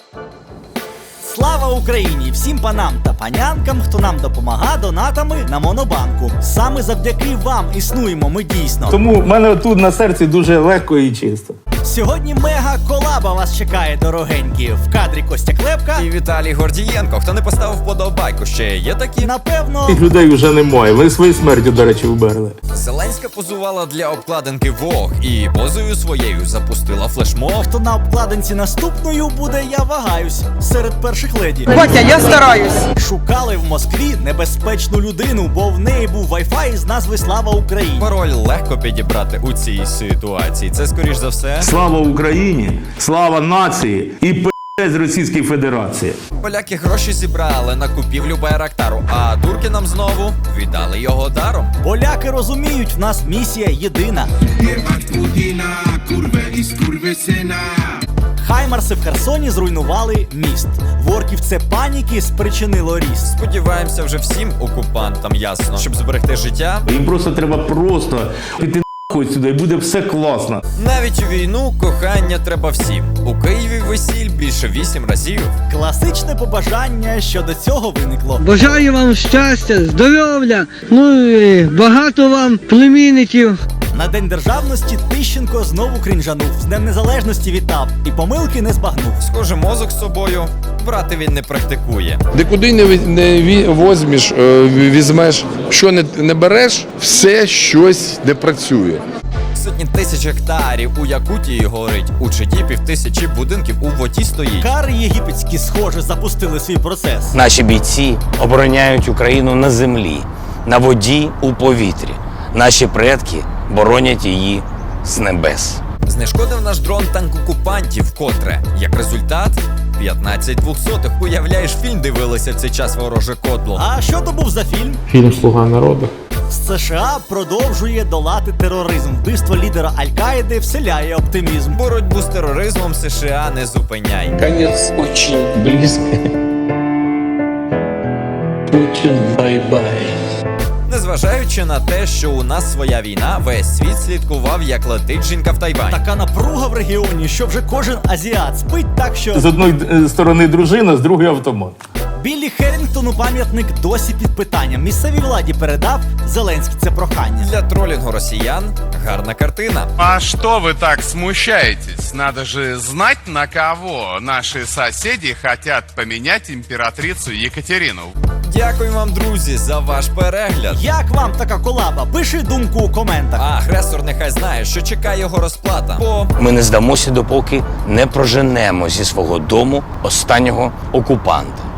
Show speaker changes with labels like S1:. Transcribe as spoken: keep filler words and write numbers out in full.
S1: Слава Україні! Всім панам та панянкам, хто нам допомагає донатами на Монобанку. Саме завдяки вам існуємо ми дійсно.
S2: Тому в мене тут на серці дуже легко і чисто.
S1: Сьогодні мега колаба вас чекає, дорогенькі. В кадрі Костя Клепка
S3: і Віталій Гордієнко. Хто не поставив вподобайку, ще є такі?
S1: Напевно,
S2: Тих людей вже немає. Ви своєю смертю, до речі, вберли.
S3: Зеленська позувала для обкладинки Vogue і позою своєю запустила флешмоб.
S1: хто на обкладинці наступною буде, я вагаюсь. Серед перших леді.
S4: Батя, я стараюсь.
S1: Шукали в Москві небезпечну людину, бо в неї був вайфай з назви «Слава Україні».
S3: Пароль легко підібрати у цій ситуації. Це, скоріш за все,
S2: Слава Україні, слава нації і п***ць Російській Федерації.
S3: поляки гроші зібрали на купівлю Байрактару, а турки нам знову віддали його даром.
S1: Поляки розуміють, в нас місія єдина. Хаймарси в Херсоні зруйнували міст. В орків це паніки спричинило ріст.
S3: Сподіваємося, вже всім окупантам ясно, щоб зберегти життя.
S2: Їм просто треба просто піти нахуй сюди і буде все класно.
S3: Навіть у війну кохання треба всім. У Києві весіль більше вісім разів.
S1: Класичне побажання, що до цього виникло.
S4: Бажаю вам щастя, здоров'я, ну і багато вам племінників.
S1: На День Державності Тищенко знову крінжанув. З Днем Незалежності вітав і помилки не збагнув.
S3: Схоже, мозок з собою брати він не практикує.
S5: Де куди не, ві- не ві- возьмеш, е, візьмеш, що не, не береш, все щось не працює.
S3: Сотні тисяч гектарів у Якутії горить. У Читі півтисячі будинків у воді стоїть.
S1: Кари єгипетські, схоже, запустили свій процес.
S6: Наші бійці обороняють Україну на землі, на воді, у повітрі. Наші предки боронять її з небес.
S3: Знешкодив наш дрон танк окупантів вкотре. Як результат – п'ятнадцять двохсотих. Уявляєш, фільм дивилися в цей час вороже кодло.
S1: А що то був за фільм?
S2: Фільм «Слуга народу».
S1: США продовжує долати тероризм. Вбивство лідера Аль-Каїди вселяє оптимізм.
S3: Боротьбу з тероризмом США не зупиняй.
S7: Конец очень близко. Путин, бай-бай.
S3: Незважаючи на те, що у нас своя війна, весь світ слідкував, як летить жінка в Тайвань.
S1: Така напруга в регіоні, що вже кожен азіат спить так, що...
S2: З одної е, сторони дружина, з другої автомат.
S1: Біллі Херрінгтону пам'ятник досі під питанням. Місцевій владі передав, Зеленський це прохання.
S3: Для тролінгу росіян гарна картина.
S8: А что вы так смущаетесь? Надо же знать, на кого наши соседи хотят поменять императрицу Екатерину.
S3: Дякую вам, друзі, за ваш перегляд.
S1: Як вам така колаба? Пиши думку у коментах.
S3: А агресор нехай знає, що чекає його розплата. Бо
S6: Ми не здамося, допоки не проженемо зі свого дому останнього окупанта.